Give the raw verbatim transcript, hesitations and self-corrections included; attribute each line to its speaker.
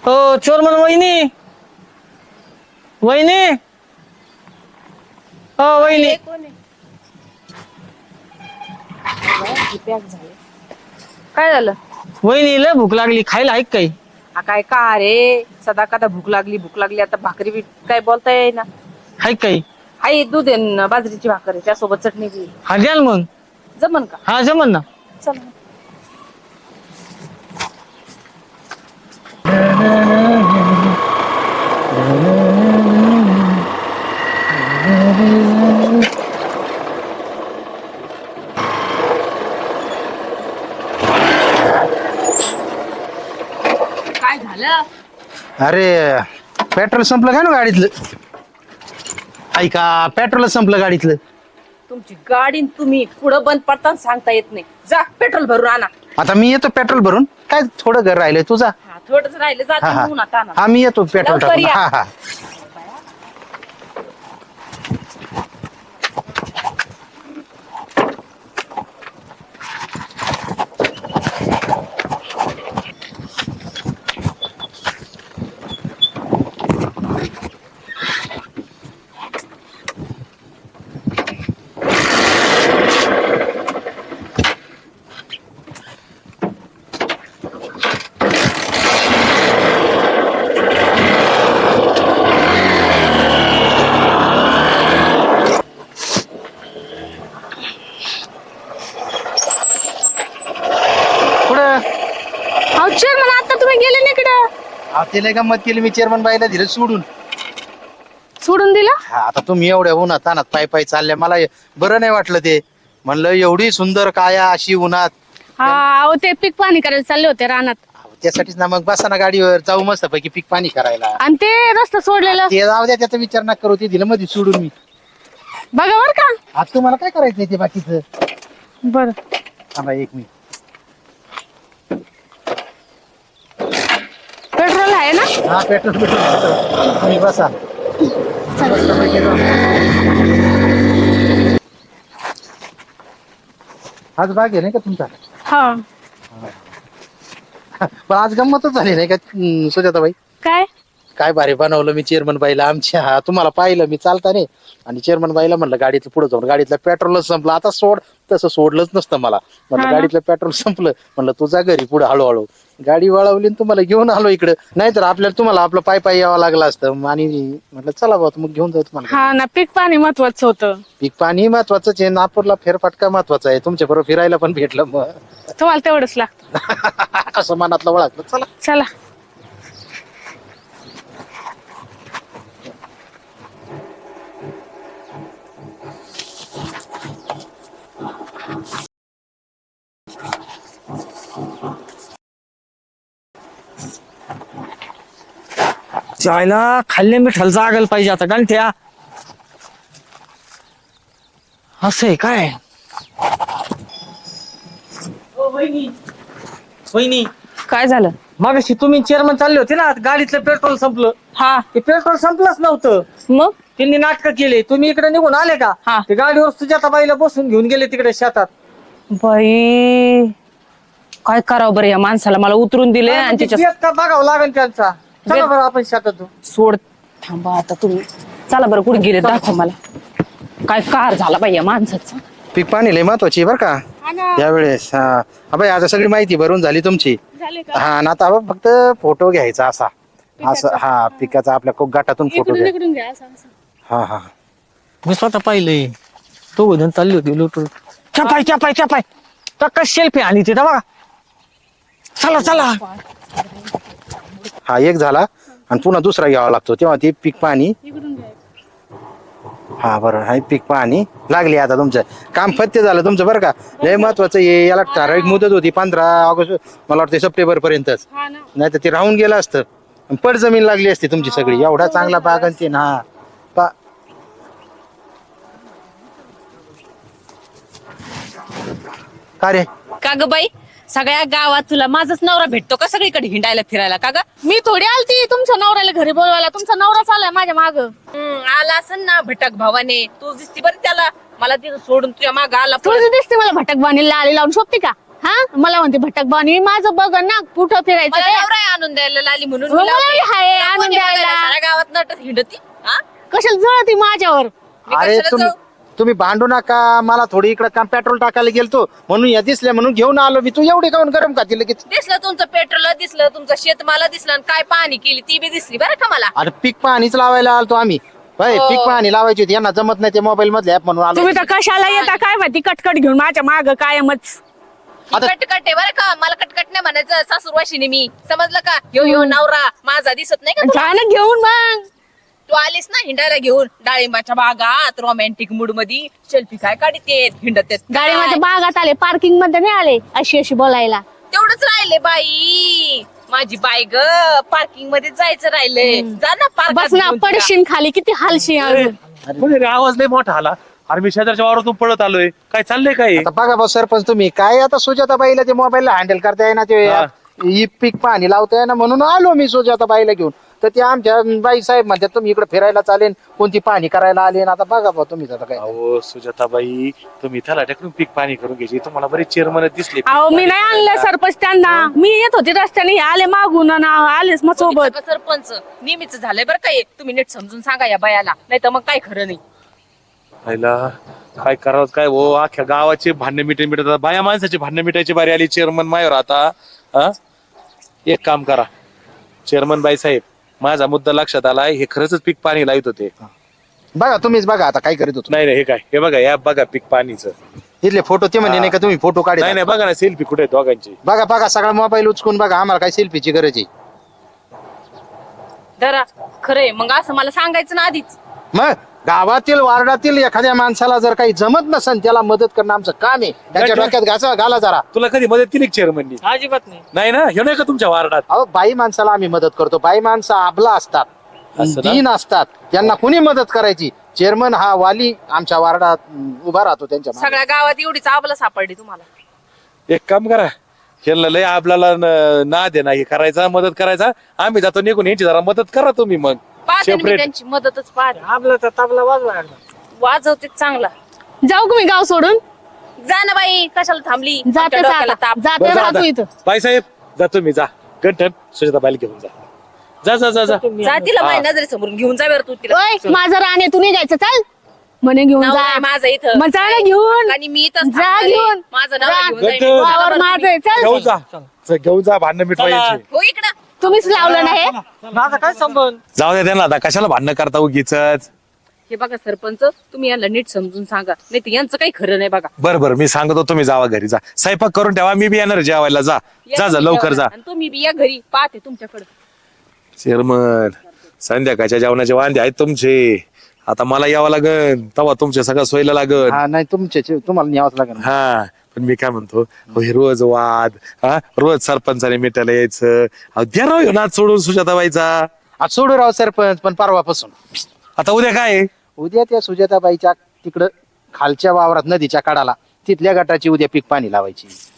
Speaker 1: हो चोरमन वहिनी वहिनी हो वहिनी
Speaker 2: काय झालं?
Speaker 1: वहिनी लय भूक लागली खायला ऐक काही
Speaker 2: हा काय का रे सदा कदा भूक लागली भूक लागली आता भाकरी बी काय बोलता येईना.
Speaker 1: ऐक काही
Speaker 2: आई दूध आहे न बाजरीची भाकर आहे त्यासोबत चटणी बी
Speaker 1: हा द्या ना मग
Speaker 2: जमन का?
Speaker 1: हा जमन ना.
Speaker 2: चल काय झालं?
Speaker 3: अरे पेट्रोल संपलं काय ना गाडीतलं. ऐका पेट्रोलच संपलं गाडीतलं.
Speaker 2: तुमची गाडी न तुम्ही पुढं बंद पडताना सांगता येत नाही. जा पेट्रोल भरून आणा.
Speaker 3: आता मी येतो पेट्रोल भरून काय थोडं घर राहिलंय तुझा.
Speaker 2: हा थोडंच राहिलं
Speaker 3: हा
Speaker 2: जाते
Speaker 3: हा
Speaker 2: म्हणून आता आणा.
Speaker 3: हा मी येतो पेट्रोल
Speaker 2: लवकर
Speaker 3: टाकून.
Speaker 2: या.
Speaker 3: हा हा पुढं
Speaker 2: अहो चेअरमन आता तुम्ही गेले ना इकडं.
Speaker 3: तिला गंमत केली मी चेअरमन बाईला दिलं सोडून.
Speaker 2: सोडून दिला?
Speaker 3: हा आता तुम्ही एवढ्या उन्हात तानात पाय पाय चालल्या मला बरं नाही वाटलं ते. म्हणलं एवढी सुंदर काया अशी उन्हात.
Speaker 4: हा अहो ते पीक पाणी करायला चालले होते रानात
Speaker 3: अहो, त्यासाठीच ना मग बसा ना गाडीवर जाऊ मस्त पैकी पीक पाणी करायला.
Speaker 4: आणि ते रस्ता सोडलेलं
Speaker 3: ते जाऊ द्या त्याचा विचार नका करू ते दिलं मध्ये सोडून मी.
Speaker 4: बघा बर का.
Speaker 3: आज तुम्हाला काय करायचंय ते बाकीचं.
Speaker 4: बर
Speaker 3: थांबा एक मिनिट.
Speaker 4: पेट्रोल आहे ना?
Speaker 3: हा पेट्रोल पेट्रोल तुम्ही बसा. आज बाग आहे नाही का तुमचा.
Speaker 4: हा
Speaker 3: पण आज गंमतच झाली नाही का हम्म, सुजाताबाई.
Speaker 4: काय
Speaker 3: काय भारी बनवलं मी चेअरमन बाईला आमच्या. हा तुम्हाला पाहिलं मी चालता नाही आणि चेअरमन बाईला म्हणलं गाडीतलं पुढे जाऊन गाडीतलं पेट्रोलच संपलं आता सोड. तसं सोडलंच नसतं मला. म्हणलं
Speaker 4: हा ना.
Speaker 3: गाडीतलं पेट्रोल संपलं म्हणलं तुझा घरी पुढे हळूहळू गाडी वळवली आणि तुम्हाला घेऊन आलो इकडे. नाहीतर आपल्याला तुम्हाला आपलं पाय पाय यावं लागलं असतं आणि म्हटलं चला भाऊ मग घेऊन जाऊ तुम्हाला.
Speaker 4: हा ना पीक पाणी महत्वाचं होतं.
Speaker 3: पीक पाणी महत्वाचंच आहे. नागपूरला फेरफटका महत्वाचा आहे. तुमच्या बरोबर फिरायला पण भेटलं मग
Speaker 4: तुम्हाला तेवढंच लागतं.
Speaker 3: असं मनातलं ओळखलं. चला
Speaker 4: चला
Speaker 1: चायला खाल्ले मिठाला जागायला पाहिजे आता गंठ्या. असं आहे काय वहिनी
Speaker 2: काय झालं?
Speaker 1: मगाशी तुम्ही चेअरमन चालले होते ना गाडीतलं पेट्रोल संपलं.
Speaker 2: हा
Speaker 1: ते पेट्रोल संपलंच नव्हतं.
Speaker 2: मग
Speaker 1: त्यांनी नाटक केले. तुम्ही इकडे निघून आले का
Speaker 2: हा.
Speaker 1: ते गाडीवर सुजाताबाईला बसून घेऊन गेले तिकडे शेतात.
Speaker 2: बाई काय करावं बरं या माणसाला. मला उतरून दिले आणि
Speaker 1: म्हणजे
Speaker 2: त्याच्या
Speaker 1: बेत का बघावं लागेल त्यांचा. चला
Speaker 2: बेत-
Speaker 1: बरं आपण शेतात जाऊ.
Speaker 2: सोड. थांबा आता तुम्ही चला बरं कुठे गेले दाखव मला. काय कार झाला बाई या माणसाचा.
Speaker 3: पीक पाणी लय महत्वाची बरं का यावेळेस. हा हा बाई आता सगळी माहिती भरून झाली तुमची. हा आणि आता आपण फक्त फोटो घ्यायचा असा असं. हा पिकाचा आपल्या खूप गाठातून फोटो घ्या.
Speaker 4: इकडून घ्या असं असं.
Speaker 3: हा हा
Speaker 1: मी स्वतः पाहिलंय. तो उधन चालली होती लुटून चपाय चपाय चपाय टक्का शेल्फी आणि तिथं बघा. चला चला
Speaker 3: हा एक झाला आणि पुन्हा दुसरा घ्यावा लागतो तेव्हा ते पीक पाणी.
Speaker 4: इकडून घ्या.
Speaker 3: हा बरं हा पीक पाणी लागली. आता तुमचं काम फत्ते झालं तुमचं बरं का. लय महत्वाचं आहे. याला ठराविक मुदत होती पंधरा ऑगस्ट मला वाटतं सप्टेंबर पर्यंतच.
Speaker 4: हा ना
Speaker 3: नाही तर ते राहून गेलं असतं. पड जमीन लागली असती तुमची सगळी. एवढा चांगला बाग आणि ते ना पा का रे
Speaker 2: का ग बाई सगळ्या गावात तुला माझाच नवरा भेटतो का सगळीकडे हिंडायला फिरायला का ग?
Speaker 4: मी थोडी आलती तुमच्या नवऱ्याला घरी बोलवायला. तुमचा नवराच आलाय माझ्या माग.
Speaker 2: हम्म, आला असन ना भटक भावाने. तू दिसती बरं त्याला. मला तिथं सोडून तुझ्या माग आला
Speaker 4: तुझी दिसते मला भटक बाणीला आली लावून शोधते का? हा मला म्हणते भटक बानी माझं बघ ना कुठं फिरायचं
Speaker 5: मला
Speaker 4: ते.
Speaker 5: नवरा आहे आणून द्यायला लाली म्हणून
Speaker 4: मग
Speaker 5: मी
Speaker 4: मला
Speaker 5: लावते.
Speaker 4: हाय
Speaker 5: तुला
Speaker 4: आणून
Speaker 5: कोणी
Speaker 4: द्यायला.
Speaker 5: बघायला साऱ्या गावात नटत हिंडती हा?
Speaker 4: कशाला जळती माझ्यावर.
Speaker 5: मी
Speaker 3: अरे
Speaker 5: कशाला
Speaker 3: तुम्ही
Speaker 5: जाऊ?
Speaker 3: तुम्ही भांडू नका मला थोडी इकडे काम पेट्रोल टाकायला गेलतो म्हणून या दिसल्या म्हणून घेऊन आलो मी. तू एवढी काऊन गरम खाती लगेच?
Speaker 5: दिसलं तुमचं पेट्रोल दिसलं तुमचं शेतमाला दिसलं आणि काय पाहणी केली ती बी दिसली बरं का मला.
Speaker 3: अरे पीक पाणीच लावायला आलतो आम्ही. बाई
Speaker 5: हो.
Speaker 3: पीक पाणी लावायची होती यांना जमत नाही ते मोबाईल मधले ऍप म्हणून आलो.
Speaker 2: तुम्ही तर कशाला येता काय माहिती कटकट घेऊन माझ्या माग कायमच.
Speaker 3: आता-
Speaker 5: कटकट आहे बरं का मला कटकट नाही म्हणायचं सासूरवाशिनी मी समजलं का. यो यो नवरा माझा दिसत नाही का तुला?
Speaker 2: जा ना घेऊन मग.
Speaker 5: तू आलीस ना हिंडायला घेऊन डाळिंबाच्या बागात रोमॅन्टिक मूड मध्ये सेल्फी काय काढते हिंडत आहेत.
Speaker 4: गाडी माझ्या बागात आले पार्किंग मध्ये नाही आले अशी अशी बोलायला.
Speaker 5: तेवढंच राहिले बाई माझी बाई ग पार्किंग मध्ये जायचं राहिलंय. जा ना
Speaker 4: बस
Speaker 5: पार्क
Speaker 4: ना पडशीन खाली किती हालशी
Speaker 6: कोणी रे, आवाज लय मोठा आला. अरे मी शेजारच्या वावरातून पळत आलोय. काय चाललंय काय?
Speaker 3: आता बघा भाऊ सरपंच तुम्ही काय आता सुजाताबाईला ते मोबाईलला हँडल करताय ना ते
Speaker 6: हा.
Speaker 3: ही पीक पाणी लावताय ना म्हणून आलो मी सुजाताबाईला घेऊन. तर ते आमच्या बाई साहेब म्हणतात तुम्ही इकडे फिरायला चालेल कोणती पाणी करायला आले आता बघा भाऊ तुम्हीच आता काय.
Speaker 6: अहो सुजाताबाई तुम्ही त्याला टाकून पीक पाणी करून घ्यायची. तुम्हाला बरेच चेअरमन दिसले.
Speaker 2: अहो मी नाही आणलं सरपंच त्यांना. मी येत होते रस्त्याने हे आले मागून आणि आलेच मग सोबत.
Speaker 5: बघितलं का सरपंच नेहमीच झालंय बरं काय. तुम्ही नीट समजून सांगा या बायाला नाही तर मग काय खरं नाही.
Speaker 6: पहिला काय करावं काय हो अख्ख्या गावाचे भांडणे मिटे मिटत बाया माणसाची भांडणे मिटायची बारी आली चेअरमन मायावर आता. हा एक काम करा चेअरमन बाई साहेब माझा मुद्दा लक्षात आलाय. हे खरंच पीक पाणी लावत होते.
Speaker 3: बघा तुम्हीच बघा आता काय करीत होतो.
Speaker 6: नाही नाही हे काय हे बघा या बघा पीक पाणीचं.
Speaker 3: इथले फोटो ते म्हणजे नाही का तुम्ही फोटो काढले
Speaker 6: नाही नाही बघा ना सेल्फी कुठे आहेत दोघांची.
Speaker 3: बघा बघा सगळा मोबाईल उचकून बघा आम्हाला काय सेल्फीची गरज आहे.
Speaker 5: धरा खरंय मग असं मला सांगायचं ना आधीच.
Speaker 3: मग गावातील वार्डातील एखाद्या माणसाला जर काही जमत नसेल त्याला मदत करणं आमचं काम आहे. त्याच्या डोक्यात घासा घाला जरा.
Speaker 6: तुला कधी मदत केली चेअरमननी?
Speaker 1: अजिबात नाही.
Speaker 6: नाही ना हे नाही का तुमच्या वार्डात?
Speaker 3: अहो बाई माणसाला आम्ही मदत करतो. बाई माणसं आबला असतात
Speaker 6: असं ना?
Speaker 3: दीन असतात त्यांना कुणी मदत करायची. चेअरमन हा वाली आमच्या वार्डात अं, उभा राहतो त्यांच्या मागे.
Speaker 5: सगळ्या गावात एवढीच आबला सापडली तुम्हाला.
Speaker 6: एक काम करा ह्यांना लय आपल्याला ना दे ना हे करायचा मदत करायचा. आम्ही जातो निघून यांची जरा मदत करा तुम्ही मग
Speaker 5: पाहते ना मी
Speaker 6: सेपरेट.
Speaker 5: त्यांची मदतच पाहते.
Speaker 1: आपला तर तबला वाजवा.
Speaker 5: वाजवते चांगला.
Speaker 2: जाऊ का मी गाव सोडून.
Speaker 5: जा ना बाई कशाला थांबली.
Speaker 4: जाते
Speaker 5: आमच्या डोक्याला ताप.
Speaker 4: जाते राहतो इथं.
Speaker 6: बाईसाहेब जा तुम्ही जा गंठन सुजाताबाईला घेऊन जा. जा जा जा जा
Speaker 5: जा तिला माझ्या नजरे समोरून घेऊन जा बरं तू तिला.
Speaker 4: ओय माझं राणे तू निघायचं चल
Speaker 2: म्हणे घेऊन
Speaker 5: नाव
Speaker 2: जा.
Speaker 5: आहे माझं इथं.
Speaker 2: मग जा ना घेऊन.
Speaker 5: आणि मी इथंच
Speaker 4: जा
Speaker 5: थांबणार आहे.
Speaker 4: घेऊन.
Speaker 5: माझं नाव
Speaker 4: जा.
Speaker 5: घेऊन जाईन.
Speaker 6: गंठन.
Speaker 5: जा
Speaker 4: वावर
Speaker 5: बरं
Speaker 4: माझं आहे, चल
Speaker 6: घेऊन जा चल, घेऊन जा भांडणं मिटवायची.
Speaker 5: हो इकडं.
Speaker 4: तुम्हीच लावलं ना हे.
Speaker 1: माझा काय संबंध.
Speaker 6: जाऊ द्या त्यांना आता कशाला भांडणं करता उगीच.
Speaker 5: हे बघा सरपंच तुम्ही यांना नीट समजून सांगा नाही तर यांचं काही खरं नाही बघा.
Speaker 6: बरं बरं मी सांगतो तुम्ही जावा घरी जा स्वयंपाक करून ठेवा. मी बी येणार जेवायला. जा
Speaker 5: या
Speaker 6: जा जा
Speaker 5: तुम्ही
Speaker 6: लवकर जा.
Speaker 5: जेवायला. आणि तुम्ही बी या घरी पाहते तुमच्याकडे.
Speaker 6: चेअरमन संध्याकाळच्या जेवणाचे वांदे आहेत तुमचे. आता मला यावं लागन तेव्हा तुमच्या सगळं सोयला लागन.
Speaker 3: हा नाही तुमच्या तुम्हाला न्यावंच लागेल.
Speaker 6: हा पण मी काय म्हणतो अहो, हे रोज वाद हा रोज सरपंचाने मिटायला यायचं. अहो, द्या राव ह्यो नाद सोडून सुजाताबाईचा.
Speaker 3: आज सोडू राव सरपंच पण परवापासून
Speaker 6: आता उद्या काय आहे?
Speaker 3: उद्या त्या सुजाताबाईच्या तिकडं खालच्या वावरात नदीच्या काढाला तिथल्या गटाची उद्या पीक पाणी लावायची.